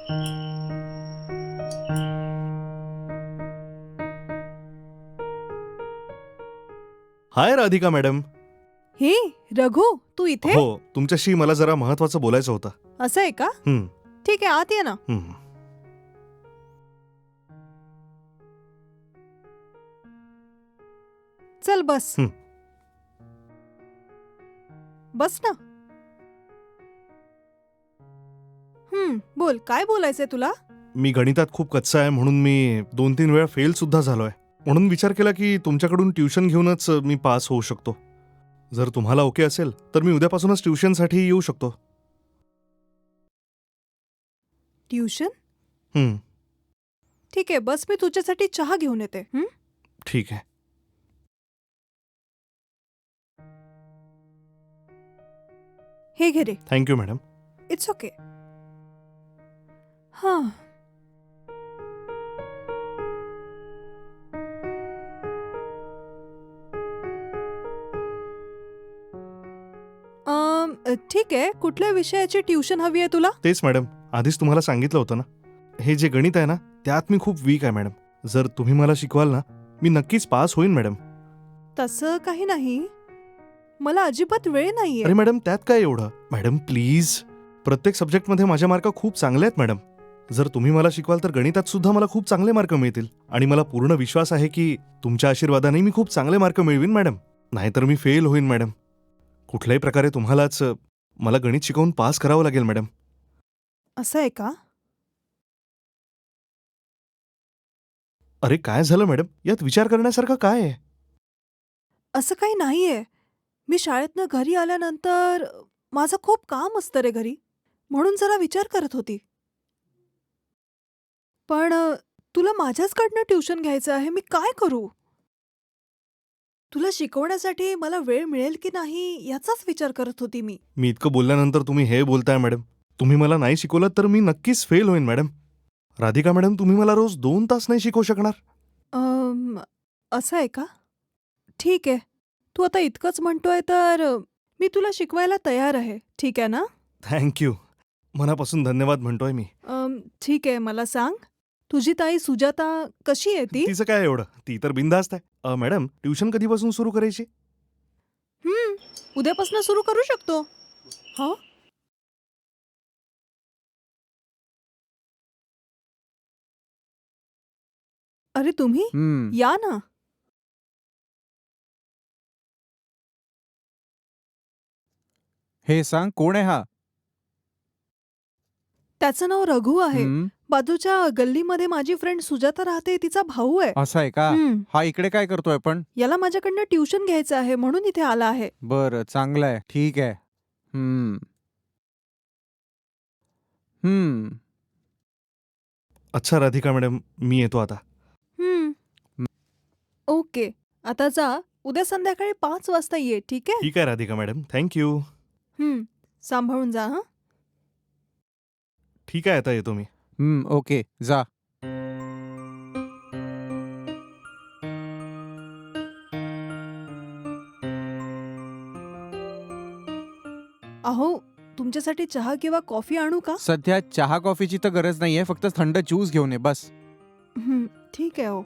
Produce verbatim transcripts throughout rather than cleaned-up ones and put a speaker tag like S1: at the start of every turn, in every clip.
S1: हाय Radhika madam.
S2: हे रघु, तू इथे?
S1: हो, तुमच्याशी मला जरा महत्वाचं बोलायचं होतं.
S2: असं आहे का?
S1: हं,
S2: ठीक आहे, आत ये ना.
S1: हं.
S2: चल बस.
S1: हं.
S2: बस ना. हम्म बोल, काय बोलायचंय तुला?
S1: मी गणितात खूप कच्चा आहे म्हणून मी दोन तीन वेळा फेल सुद्धा झालोय. म्हणून विचार केला की तुमच्याकडून ट्युशन घेऊनच मी पास होऊ शकतो. जर तुम्हाला ओके असेल तर मी उद्यापासूनच ट्युशनसाठी येऊ शकतो.
S2: ट्युशन?
S1: हं,
S2: ठीक आहे, बस, मी तुझ्यासाठी चहा घेऊन येते. हं?
S1: ठीक आहे.
S2: हे घे रे.
S1: Thank you madam.
S2: It's okay. हां. अम, ठीक आहे, कुठल्या विषयाची ट्युशन हवी आहे तुला?
S1: तेच मॅडम, आधीच तुम्हाला सांगितलं होतं ना, हे जे गणित आहे ना त्यात मी खूप वीक आहे मॅडम. जर तुम्ही मला शिकवाल ना मी नक्कीच पास होईन मॅडम.
S2: तसं काही नाही, मला अजिबात वेळ नाहीये.
S1: अरे मॅडम, त्यात काय एवढं? मॅडम प्लीज, प्रत्येक सब्जेक्टमध्ये माझे मार्क खूप चांगले आहेत मॅडम. जर तुम्ही मला शिकवाल तर गणितात सुद्धा मला खूप चांगले मार्क मिळतील. आणि मला पूर्ण विश्वास आहे की तुमच्या आशीर्वादाने मी खूप चांगले मार्क मिळवीन मॅडम. नाहीतर मी फेल होईन मॅडम. कुठल्याही प्रकारे तुम्हालाच मला गणित शिकवून पास करावं लागेल मॅडम.
S2: असं आहे का?
S1: अरे काय झालं मॅडम, यात विचार करण्यासारखं काय आहे?
S2: असं काही नाहीये. मी शाळेतनं घरी आल्यानंतर माझं खूप काम असतं रे घरी, म्हणून जरा विचार करत होती. पण अ, तुला माझ्याचकडनं ट्युशन घ्यायचं आहे, मी काय करू? तुला शिकवण्यासाठी मला वेळ मिळेल की नाही याचाच विचार करत होती मी.
S1: मी इतकं बोलल्यानंतर तुम्ही हे बोलताय मॅडम. तुम्ही मला नाही शिकवलं तर मी नक्कीच फेल होईन मॅडम. राधिका मॅडम, तुम्ही मला रोज दोन तास नाही शिकवू शकणार?
S2: अम, असं आहे का? ठीक आहे. तू आता इतकंच म्हणतोय तर अ, मी तुला शिकवायला तयार आहे. ठीक आहे ना?
S1: थँक्यू. मनापासून धन्यवाद म्हणतोय मी.
S2: अम, ठीक आहे, मला सांग, तुझी ताई सुजाता कशी आहे ती?
S1: तिचं काय एवढं, ती तर बिनधास्त आहे. अ, मॅडम, ट्युशन कधीपासून सुरू करायची?
S2: हं, उद्यापासून सुरू करू शकतो. हां? अरे तुम्ही?
S3: हम्म.
S2: या ना.
S3: हे सांग, कोण आहे हा?
S2: त्याचं नाव रघु आहे.
S3: हम्म.
S2: बाजूच्या गल्लीमध्ये माझी फ्रेंड सुजाता राहते, तिचा भाऊ आहे.
S3: असं आहे का?
S2: हं.
S3: हा इकडे काय करतोय पण?
S2: याला माझ्याकडनं ट्युशन घ्यायचं आहे म्हणून इथे आला आहे.
S3: बरं, चांगलं आहे. ठीक आहे. हम्म. हम्म.
S1: अच्छा राधिका मॅडम, मी येतो आता.
S2: हं. ओके. आता जा. उद्या संध्याकाळी पाच वाजता ये, ठीक आहे?
S1: ठीक आहे राधिका मॅडम, थँक्यू.
S2: हं. सांभाळून जा हं.
S1: ठीक आहे, आता येतो मी.
S3: हम्म. ओके, जा.
S2: अहो, तुमच्यासाठी चहा किंवा कॉफी आणू का?
S3: सध्या चहा कॉफीची तर गरज नाहीये, फक्त थंड ज्यूस घेऊन ये बस.
S2: हं, ठीक आहे हो.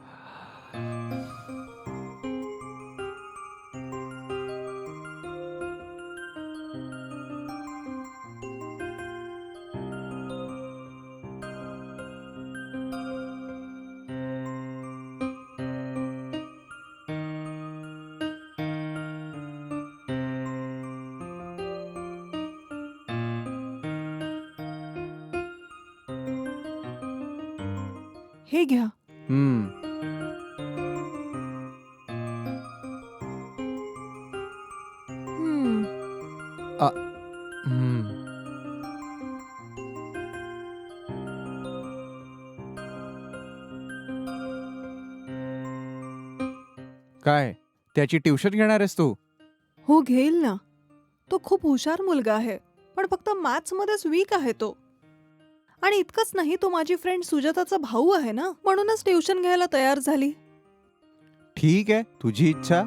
S2: हे घ्या.
S3: हम्म.
S2: हं.
S3: हम्म. काय, त्याची ट्युशन घेणार आहेस तू?
S2: हो, घेईल ना. तो खूप हुशार मुलगा आहे, पण फक्त मॅथ्समध्येच वीक आहे तो. आणि इतकंच नाही, तो माझी फ्रेंड सुजाताचा भाऊ आहे ना, म्हणूनच ट्युशन घ्यायला तयार झाली.
S3: ठीक आहे, तुझी इच्छा.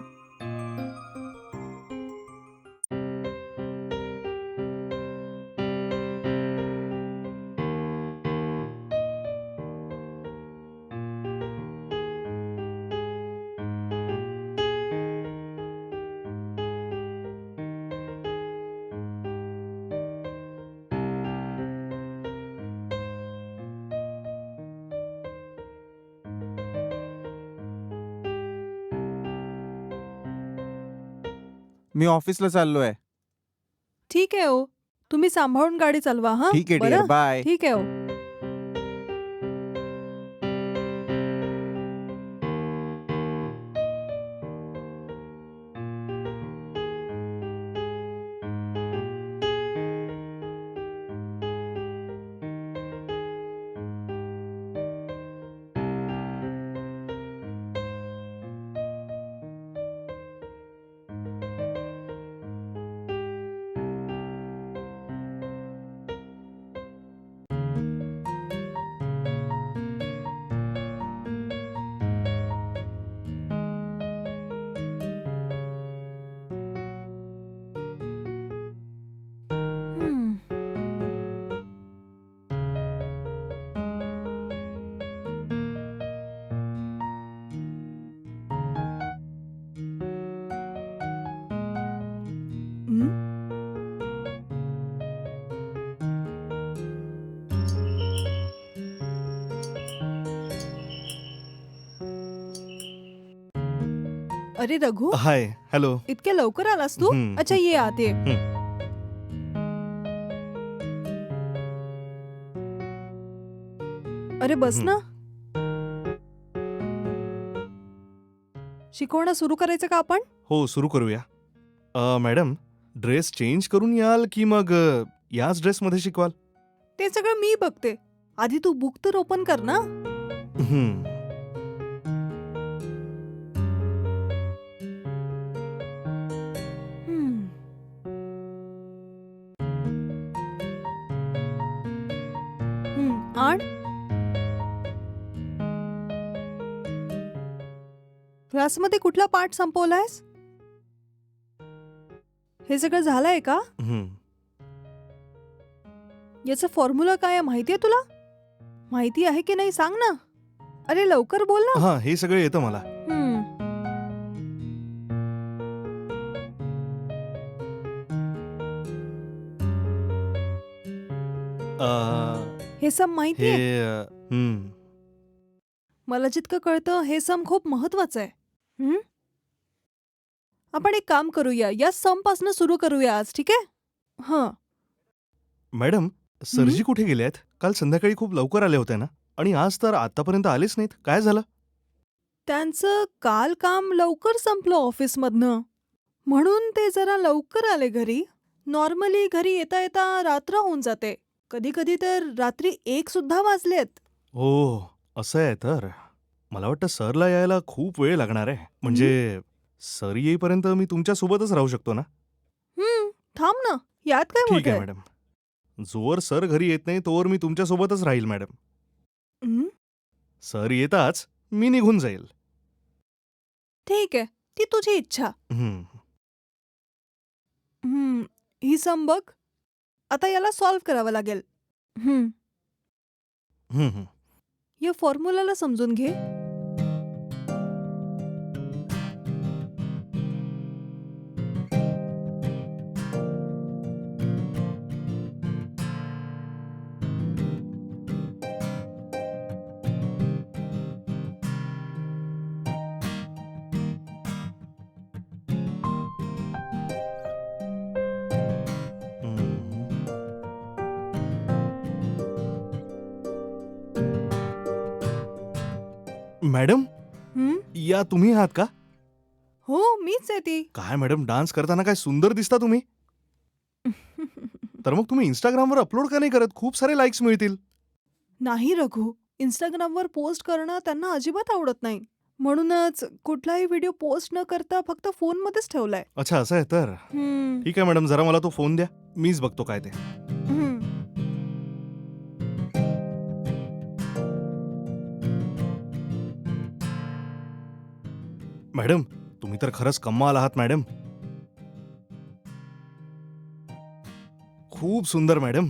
S3: मी ऑफिसला चाललोय.
S2: ठीक आहे ओ, तुम्ही सांभाळून गाडी चालवा हा.
S3: ठीक आहे
S2: बरं?
S3: Dear, bye.
S2: ठीक आहे ओ. हम्म. हम्म. अरे रघु,
S1: हाय, हॅलो.
S2: इतक्या लवकर आलास तू?
S1: हम्म.
S2: अच्छा ये आत ये. अरे बस
S1: हम्म.
S2: ना. शिकवणं सुरू करायचं का आपण?
S1: हो, सुरू करूया. अ, मॅडम, ड्रेस चेंज करून याल की मग अ, याच ड्रेसमध्ये शिकवाल?
S2: ते सगळं मी बघते. आधी तू बुक तर ओपन कर ना.
S1: हम्म.
S2: हम्म. हम्म, आण. क्लासमध्ये कुठला पाठ संपवलायस? हे सगळं झालंय का?
S1: हम्म.
S2: याचा फॉर्म्युला काय आहे माहितीये तुला? माहिती आहे की नाही सांग ना. अरे लवकर बोल ना.
S1: हा, हे सगळं येतं मला.
S2: हम्म.
S1: अ,
S2: हे सम
S1: हे
S2: माहितीये?
S1: अ, हम्म.
S2: मला जितकं कळतं हे सम खूप महत्वाचं आहे. हम्म? आपण एक काम करूया, या सम पासून सुरू करूया आज, ठीक आहे? हं.
S1: मॅडम, सरजी कुठे गेले आहेत? काल संध्याकाळी खूप लवकर आले होते ना, आणि आज तर आतापर्यंत आलेच नाहीत. काय झालं?
S2: त्यांचं काल काम लवकर संपलं ऑफिसमधनं, म्हणून ते जरा लवकर आले घरी. नॉर्मली घरी येता येता रात्र होऊन जाते. कधी कधी तर रात्री एक सुद्धा वाजलेत.
S1: हो, असं आहे तर. मला वाटतं सरला यायला खूप वेळ लागणार आहे. म्हणजे सर येईपर्यंत मी तुमच्या सोबतच राहू शकतो ना?
S2: हम्म, थांब ना, यात काय
S1: ठीक
S2: मोठं
S1: आहे
S2: आहे?
S1: मॅडम. जोवर सर घरी येत नाही तोवर मी तुमच्या सोबतच राहील मॅडम.
S2: हम्म,
S1: सर येताच मी निघून जाईल.
S2: ठीक आहे, ती तुझी इच्छा.
S1: हं.
S2: हम्म, ही सम बघ. आता याला सॉल्व्ह करावं लागेल. हम्म,
S1: हं, हं.
S2: या फॉर्म्युलाला समजून घे.
S1: मॅडम,
S2: हम्म,
S1: या तुम्ही आहात का?
S2: हो मीच आहे ती.
S1: काय मॅडम, डान्स करताना काय सुंदर दिसता तुम्ही. तर मग तुम्ही इंस्टाग्रामवर अपलोड का नाही करत? खूप सारे लाईक्स मिळतील.
S2: नाही रघु, इंस्टाग्रामवर पोस्ट करणं त्यांना अजिबात आवडत नाही. म्हणूनच कुठलाही व्हिडिओ पोस्ट न करता फक्त फोनमध्येच ठेवलाय.
S1: अच्छा, असं आहे तर.
S2: हम्म,
S1: ठीक आहे मॅडम, जरा मला तो फोन द्या. मीच बघतो काय ते.
S2: हम्म.
S1: मॅडम, तुम्ही तर खरंच कमाल आहात मॅडम. खूप सुंदर मॅडम.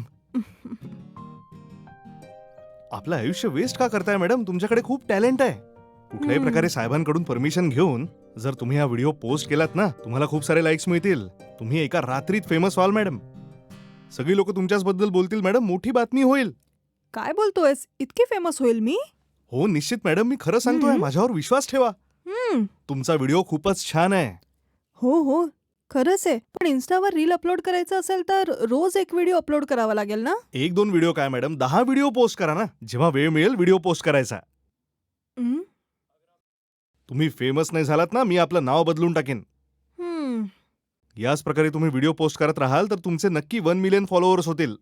S1: आपलं आयुष्य वेस्ट का करताय मॅडम? तुमच्याकडे खूप टॅलेंट आहे. कुठल्याही
S2: हम्म.
S1: प्रकारे साहेबांकडून परमिशन घेऊन जर तुम्ही हा व्हिडिओ पोस्ट केलात ना, तुम्हाला खूप सारे लाईक्स मिळतील. तुम्ही एका रात्रीत फेमस व्हाल मॅडम. सगळी लोक तुमच्याच बद्दल बोलतील मॅडम. मोठी बातमी होईल.
S2: काय बोलतोयस? इतकी फेमस होईल मी?
S1: हो निश्चित मॅडम, मी खरं सांगतोय.
S2: हम्म.
S1: माझ्यावर विश्वास ठेवा.
S2: हम्म,
S1: तुमचा व्हिडिओ खूपच छान आहे.
S2: हो हो, खरंच आहे. पण इन्स्टावर रील अपलोड करायचं असेल तर रोज एक व्हिडिओ अपलोड करावा लागेल ना?
S1: एक दोन व्हिडिओ काय मॅडम, दहा व्हिडिओ पोस्ट करा ना. जेव्हा वेळ मिळेल व्हिडिओ पोस्ट करायचा.
S2: हं,
S1: तुम्ही फेमस नाही झालात ना, मी आपलं नाव बदलून टाकेन.
S2: हं.
S1: याच प्रकारे तुम्ही व्हिडिओ पोस्ट करत राहाल तर तुमचे नक्की वन मिलियन फॉलोअर्स होतील.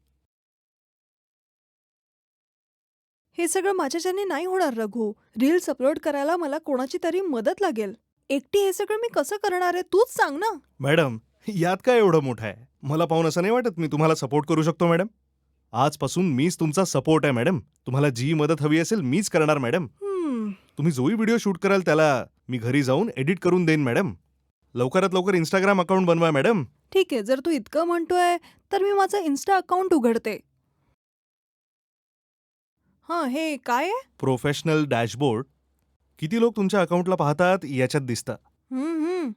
S2: हे सगळं माझ्याच्याने नाही होणार रघु. रील्स अपलोड करायला मला कोणाची तरी मदत लागेल. एकटी हे सगळं मी कसं करणार आहे तूच सांग ना.
S1: मॅडम, यात काय एवढं मोठं आहे? मला पाहून असं नाही वाटत मी तुम्हाला सपोर्ट करू शकतो मॅडम. आजपासून मीच तुमचा सपोर्ट आहे मॅडम. तुम्हाला जी मदत हवी असेल मीच करणार मॅडम.
S2: हं.
S1: तुम्ही जोही व्हिडिओ शूट कराल त्याला मी घरी जाऊन एडिट करून देईन मॅडम. लवकरात लवकर इंस्टाग्राम अकाउंट बनवा मॅडम.
S2: ठीक आहे, जर तू इतकं म्हणतोय तर मी माझं इन्स्टा अकाउंट उघडते. हां, हे काय आहे?
S1: Professional dashboard. किती लोक तुमच्या अकाउंटला पाहतात याच्यात दिसतं.
S2: हं, हं.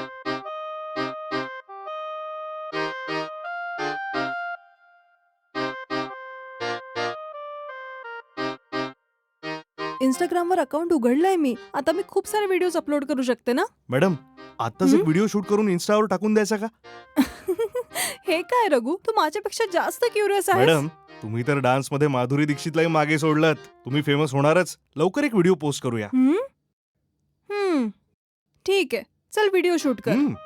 S2: इंस्टाग्रामवर अकाउंट उघडलंय मी. आता मी खूप सारे व्हिडिओज अपलोड करू शकते ना?
S1: मॅडम, आत्ताच एक
S2: हं?
S1: व्हिडिओ शूट करून इन्स्टावर टाकून द्यायचा का?
S2: हे काय रघु, तू माझ्यापेक्षा जास्त क्युरियस आहेस.
S1: मॅडम, तुम्ही तर डान्समध्ये माधुरी दीक्षितलाही मागे सोडलात. तुम्ही फेमस होणारच. लवकर एक व्हिडिओ पोस्ट करूया.
S2: हं? हं. ठीक आहे. चल व्हिडिओ शूट कर.
S1: हं.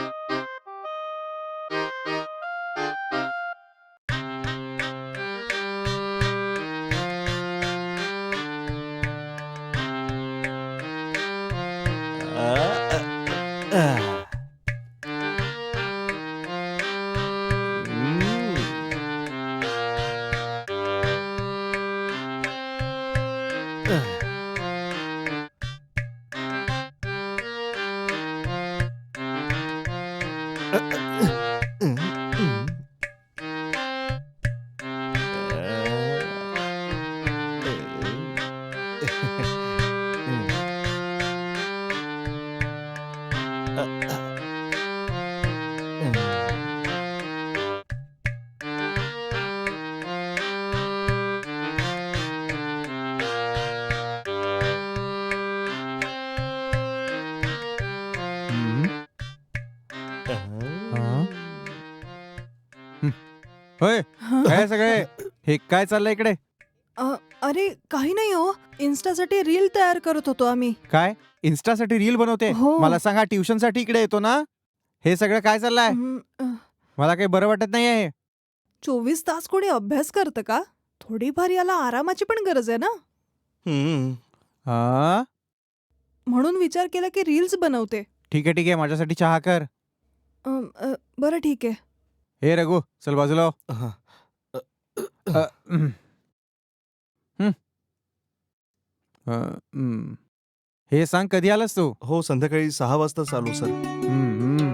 S3: होय
S2: हं?
S3: काय सगळे हे काय चाललंय इकडे?
S2: अ, अरे काही नाही हो. इन्स्टासाठी रील तयार करत होतो आम्ही.
S3: काय इन्स्टासाठी रील बनवते?
S2: हो.
S3: मला सांगा, ट्युशन साठी इकडे येतो ना. हे सगळं काय चाललंय?
S2: हं, अ,
S3: मला काही बरं वाटत नाहीये हे.
S2: चोवीस तास कोणी अभ्यास करतं का? थोडीफार याला आरामाची पण गरज आहे ना.
S1: हं.
S3: हा
S2: म्हणून विचार केला की रील्स बनवते.
S3: ठीक आहे ठीक आहे, माझ्यासाठी चहा कर.
S2: अ, अ, बरं ठीक आहे.
S3: हे रघु, चल बाजूला हो.
S1: हा.
S3: अ, हम्म. हम्म. अ, हम्म. हे सांग, कधी आलास तू?
S1: हो, संध्याकाळी सहा वाजता चालू सर.
S3: हम्म, हम्म.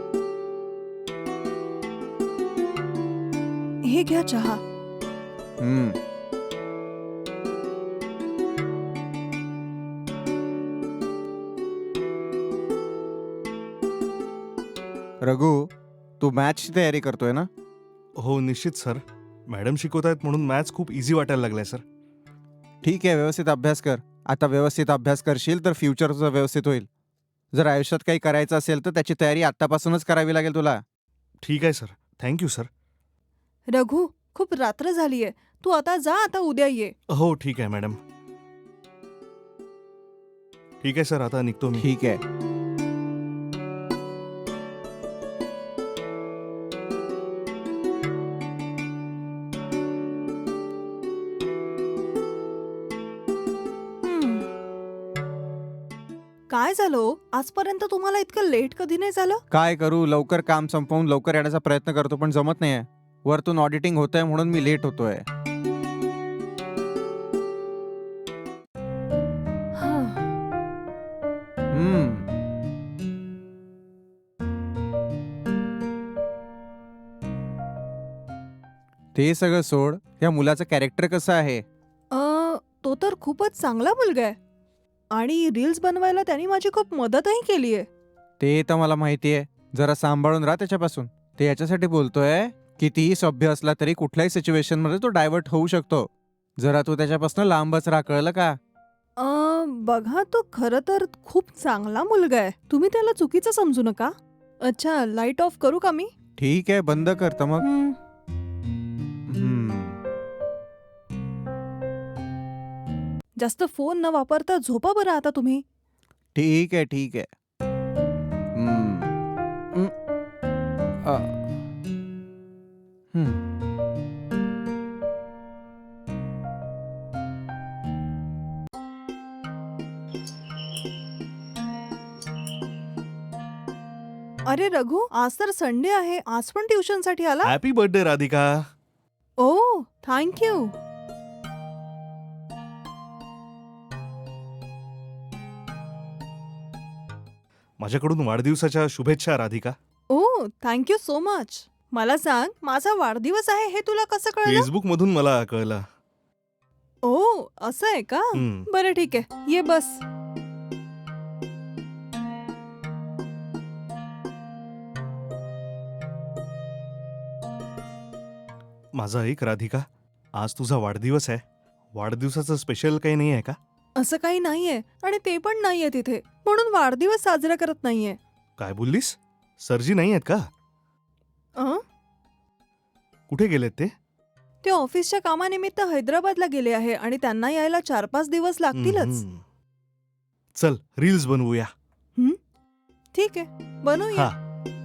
S2: हे घ्या चहा.
S3: हम्म. रघु, तू मॅचची तयारी करतोय ना?
S1: हो निश्चित सर. मॅडम शिकवतायत म्हणून मॅथ्स खूप इझी वाटायला लागलाय सर.
S3: ठीक आहे, व्यवस्थित अभ्यास कर. आता व्यवस्थित अभ्यास करशील तर फ्युचर तुझं व्यवस्थित होईल. जर आयुष्यात काही करायचं असेल तर त्याची तयारी आत्तापासूनच करावी लागेल तुला.
S1: ठीक आहे सर. Thank you sir.
S2: रघु, खूप रात्र झालीये. तू आता जा, आता उद्या ये.
S1: हो ठीक आहे मॅडम. ठीक आहे सर, आता निघतो मी.
S3: ठीक आहे.
S2: हं. काय झालं हो? आजपर्यंत तुम्हाला इतकं लेट कधी नाही झालं?
S3: काय करू, लवकर काम संपवून लवकर येण्याचा प्रयत्न करतो पण जमत नाहीये. वरतून ऑडिटिंग होतंय म्हणून मी लेट होतोय.
S2: हां.
S3: हम्म. ते सगळं सोड. या मुलाचं कॅरेक्टर कसं आहे?
S2: अ, तो तर खूपच चांगला मुलगा आहे. आणि रील्स बनवायला त्यांनी माझी खूप मदतही केली आहे.
S3: ते तर मला माहितीये. जरा सांभाळून राहा त्याच्यापासून. ते याच्यासाठी बोलतोय, कितीही सभ्य असला तरी कुठल्याही सिच्युएशन मध्ये तो डायव्हर्ट होऊ शकतो. जरा तू त्याच्यापासून लांबच राहा, कळलं का?
S2: अ, बघा तो खरं तर खूप चांगला मुलगा आहे. तुम्ही त्याला चुकीचं समजू नका. अच्छा, लाईट ऑफ करू का मी?
S3: ठीक आहे, बंद कर तर मग.
S2: हं.
S3: हम्म.
S2: जास्त फोन न वापरता झोपा बरं आता तुम्ही.
S3: ठीक आहे, ठीक आहे. हम्म. हम्म. अ. हम्म.
S2: अरे रघु, आज तर संडे आहे. आज पण ट्युशनसाठी आला?
S1: Happy birthday Radhika.
S2: ओ, थँक यू.
S1: माझ्याकडून वाढदिवसाच्या शुभेच्छा राधिका.
S2: ओ, थँक यू सो मच. मला सांग, माझा वाढदिवस आहे हे तुला कसं कळलं?
S1: फेसबुक मधून मला कळलं.
S2: ओ, असं आहे का?
S1: हं.
S2: बरं ठीक आहे, ये बस.
S1: माझा एक राधिका, आज तुझा वाढदिवस आहे. वाढदिवसाचं स्पेशल काही नाही आहे का?
S2: असं काही नाहीये आणि ते पण नाहीये तिथे, म्हणून वाढदिवस साजरा करत नाहीये.
S1: काय बोललीस? सरजी नाही आहेत का?
S2: अं?
S1: कुठे गेलेत ते?
S2: ते ऑफिसच्या कामानिमित्त हैदराबादला गेले आहे आणि त्यांना यायला चार पाच दिवस लागतीलच.
S1: हम्म. चल रील्स बनवूया.
S2: ठीक आहे, बनवूया.
S1: हा.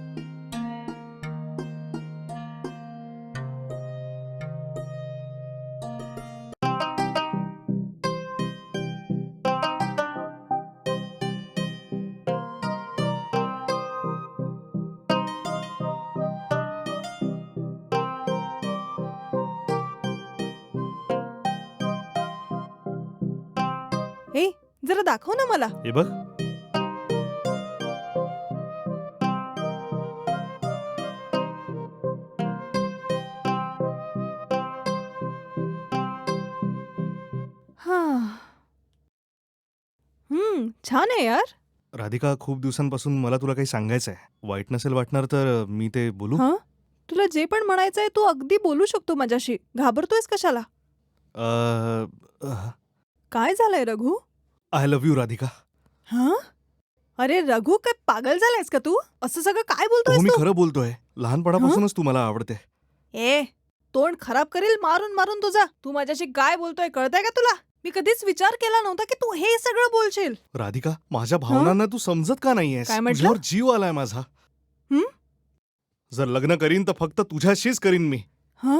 S2: ए, जरा दाखव ना मला.
S1: हे बघ.
S2: हा. हम्म, छान आहे यार.
S1: राधिका, खूप दिवसांपासून मला तुला काही सांगायचं आहे. वाईट नसेल वाटणार तर मी ते बोलू?
S2: हा? तुला जे पण म्हणायचंय तू अगदी बोलू शकतो माझ्याशी. घाबरतोयस कशाला? काय झालंय Raghu?
S1: I love you Radhika.
S2: हा? अरे रघु, काय पागल झालायस का तू? असं सगळं काय
S1: हो,
S2: बोलतोयस
S1: मी
S2: तू?
S1: खरं बोलतोय. लहानपणापासूनच तू मला आवडते.
S2: ए, तोंड खराब करील मारून मारून तुझा. तू माझ्याशी काय बोलतोय कळतंय का तुला? मी कधीच विचार केला नव्हता की तू हे सगळं बोलशील.
S1: राधिका, माझ्या भावनांना तू समजत का नाहीयेस?
S2: काय म्हटलं?
S1: तुझ्यावर जीव आलाय माझा.
S2: हं?
S1: जर लग्न करीन तर फक्त तुझ्याशीच करीन मी.
S2: हा?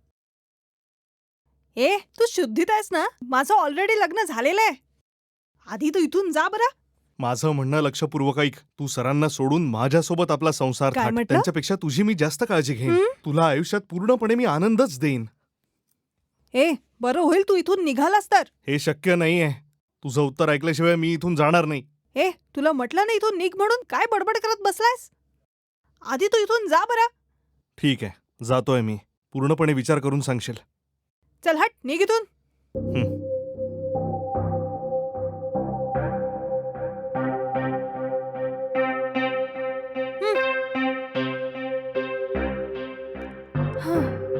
S2: ए, तू शुद्धीत आहेस ना? माझं ऑलरेडी लग्न झालेलं आहे. आधी तू इथून जा बरं.
S1: माझं म्हणणं लक्षपूर्वक ऐक. तू सरांना सोडून माझ्यासोबत आपला संसार
S2: काय
S1: थाट.
S2: म्हटलं?
S1: त्यांच्यापेक्षा तुझी मी जास्त काळजी घेईन.
S2: हं?
S1: तुला आयुष्यात पूर्णपणे मी आनंदच देईन.
S2: ए, बरं होईल तू इथून निघालास तर.
S1: हे शक्य नाहीये. तुझं उत्तर ऐकल्याशिवाय मी इथून जाणार नाही.
S2: ए, तुला म्हटलं ना इथून निघ म्हणून, काय बडबड करत बसलायस? आधी तू इथून जा बरं.
S1: ठीक आहे, जातोय मी. पूर्णपणे विचार करून सांगशील.
S2: चल हट, निघ इथून.
S1: हं.
S2: हं.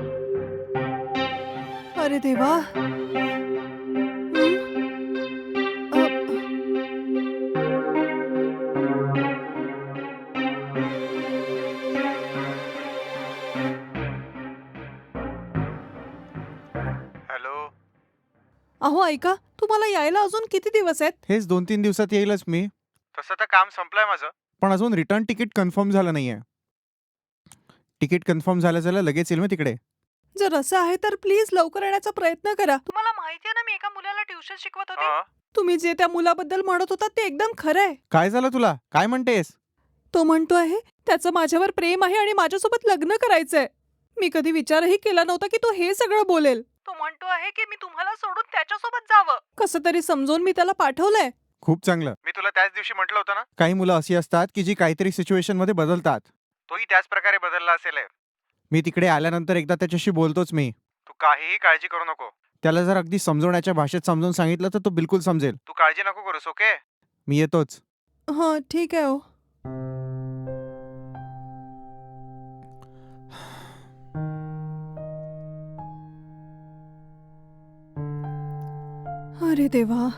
S2: अरे देवा. हं? अ,
S3: हॅलो.
S2: अहो ऐका, तुम्हाला यायला अजून किती दिवस आहेत?
S3: हेच दोन तीन दिवसात येईलच मी. तसं तर काम संपलंय माझं, पण अजून रिटर्न तिकीट कन्फर्म झालं नाहीये. तिकीट कन्फर्म झालं झालं लगेच येईल मी तिकडे.
S2: जर असं आहे तर प्लीज लवकर येण्याचा प्रयत्न करा. तुम्हाला माहिती आहे ना, मी एका मुलाला ट्युशन शिकवत होते. तुम्ही जे त्या मुलाबद्दल म्हणत होता ते एकदम खरं आहे.
S3: काय झालं तुला? काय म्हणतेस?
S2: तो म्हणतो आहे त्याचं माझ्यावर प्रेम आहे आणि माझ्यासोबत लग्न करायचंय. मी कधी विचारही केला नव्हता की तो हे सगळं बोलेल. तो म्हणतो आहे की मी तुम्हाला सोडून त्याच्यासोबत जावं. कसं तरी समजून मी त्याला पाठवलंय.
S3: खूप चांगलं. मी तुला त्याच दिवशी म्हटलं होतं ना, काही मुलं अशी असतात की जी काहीतरी सिच्युएशन मध्ये बदलतात. तोही त्याच प्रकारे बदलला असेल. मी तिकडे आल्यानंतर एकदा त्याच्याशी बोलतोच मी. तू काहीही काळजी करू नको. त्याला जर अगदी समजवण्याच्या भाषेत समजून सांगितलं तर तो बिलकुल समजेल. तू काळजी नको करूस, ओके? मी येतोच.
S2: हा ठीक आहे. हो अरे देवा.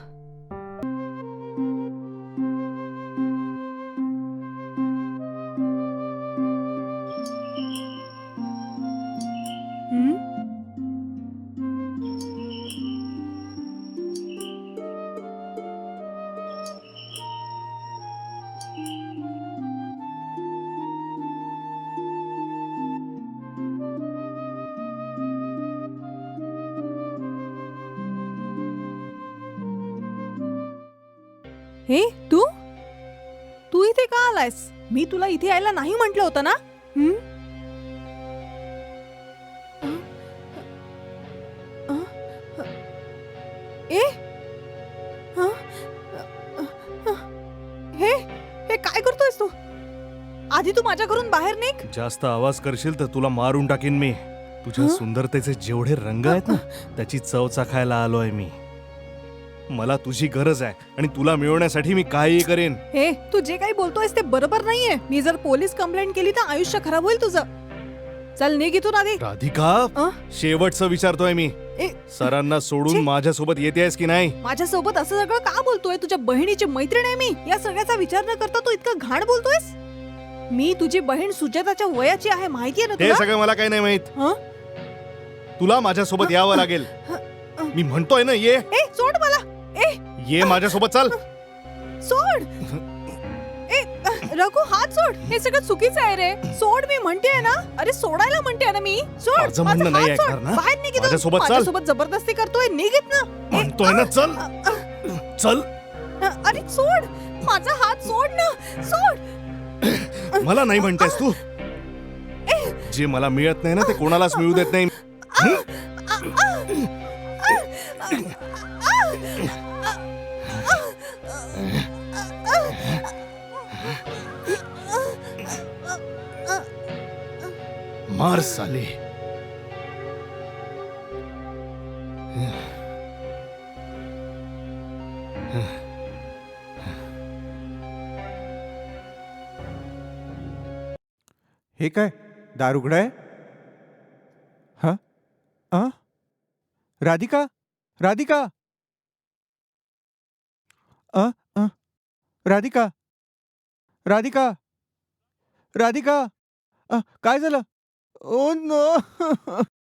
S2: हे तू तू इथे का आलायस? मी तुला इथे यायला नाही म्हटलं होतं ना? हं? अ? अ? ए हं? हे हे काय करतोयस तू? आधी तू माझ्या घरून बाहेर निघ.
S1: जास्त आवाज करशील तर तुला मारून टाकीन मी. तुझ्या
S2: हं?
S1: सुंदरतेचे जेवढे रंग आहेत ना त्याची चव चाखायला आलोय मी. मला तुझी गरज आहे आणि तुला मिळवण्यासाठी मी काहीही करेन.
S2: हे तू जे काही बोलतोयस ते बरोबर नाहीये. मी जर पोलीस कंप्लेंट केली तर आयुष्य खराब होईल तुझं. चल निघ इथून आधी.
S1: राधिका,
S2: अ?
S1: शेवटचं विचारतोय मी.
S2: ए,
S1: सरांना सोडून
S2: छी.
S1: माझ्यासोबत येतेस की नाही?
S2: माझ्यासोबत असं सगळं का बोलतोय? तुझ्या बहिणीची मैत्रीण आहे मी. या सगळ्याचा विचार न करता तू इतकं घाण बोलतोयस? मी तुझी बहीण सुजाताच्या वयाची आहे, माहितीये ना
S1: ते
S2: तुला?
S1: सगळं मला काही नाही माहित.
S2: हं?
S1: तुला माझ्यासोबत यावं लागेल. मी म्हणतोय ना ये.
S2: ए सोड मला. ए
S1: ये माझ्यासोबत चल.
S2: सोड. ए रघु हात सोड. हे सगळं चुकीचं आहे रे. सोड मी म्हणतेय ना. अरे सोडायला म्हणतेय ना मी. सोड.
S1: माझं
S2: माझा
S1: म्हणणं नाही
S2: हात सोड.
S1: ऐकणार ना?
S2: बाहेर निघ इथून.
S1: माझ्यासोबत चल.
S2: माझ्यासोबत जबरदस्ती करतोय. निघित ना. ए,
S1: म्हणतोय ना चल. चल.
S2: अ, अरे सोड. माझा हात सोड ना. सोड.
S1: मला नाही म्हणतेस तू. जे मला मिळत नाही ना ते कोणालाच मिळू देत नाही. मार साले.
S3: हे काय दार उघडं आहे? हा अ राधिका, राधिका, अ अ राधिका, राधिका, राधिका, अ, काय झालं? Oh no